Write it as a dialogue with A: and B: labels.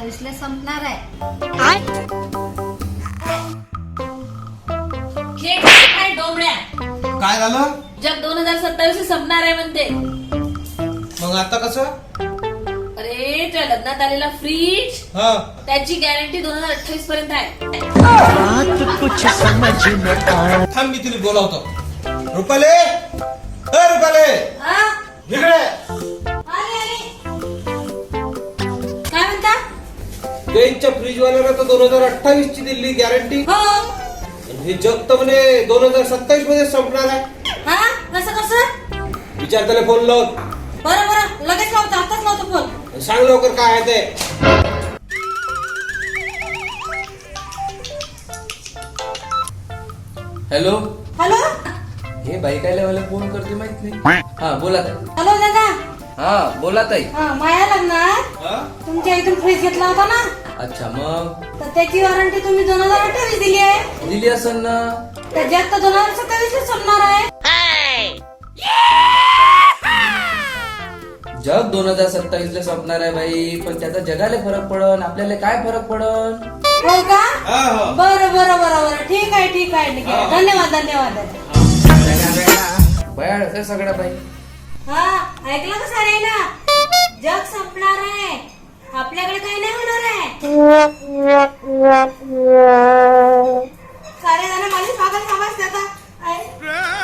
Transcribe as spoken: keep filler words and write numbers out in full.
A: सत्तावीस ला संपणार आहे.
B: काय झालं?
C: जग दोन हजार सत्तावीस संपणार आहे म्हणते.
B: मग आता कसं?
C: अरे त्या लग्नात आलेला फ्रीज
B: हा
C: त्याची गॅरंटी दोन हजार अठ्ठावीस पर्यंत आहे.
B: थांब मी तिला बोलावतो. रुपाले ए रुपाले
C: हा?
B: इकडे.
C: आले, आले. काय म्हणता?
B: त्यांच्या फ्रीज वाल्याला तर दोन हजार अठ्ठावीस ची दिली गॅरंटी.
C: हो.
B: हे जग तर म्हणे दोन हजार सत्तावीस मध्ये संपणार आहे.
C: हा कसं कसं?
B: विचार त्याला फोन लाव.
C: बरं बरं लगेच लावतो, आताच लावतो फोन.
B: सांग लवकर काय आहे ते.
D: हॅलो.
C: हॅलो
D: हे बाई काय मला फोन करते माहित नाही. हा बोला ताई.
C: हॅलो दादा.
D: हा बोला ताई.
C: हा माया लग्नात
B: हा?
C: तुमच्या इथून फ्रीज घेतला होता ना,
D: अच्छा मग
C: तर त्याची वॉरंटी तुम्ही दोन हजार अठ्ठावीस दिली आहे.
D: दिली असेल ना.
C: त्याच्यात तर दोन हजार सत्तावीस ला संपणार आहे.
D: जग दोन हजार सत्तावीस ला संपणार आहे बाई, पण त्याचा जगाला फरक पडन, आपल्याला काय फरक पडन.
C: हो का?
B: हा, हो.
C: बरं बरं बरं बरं ठीक आहे ठीक आहे ठीक आहे. धन्यवाद धन्यवाद.
D: बयाळ असं सगळं बाई.
C: हा ऐकलं का सारे ना, जग संपणार आहे, आपल्याकडे काही नाही होणार आहे. सारे जण माझी पागल समजतात.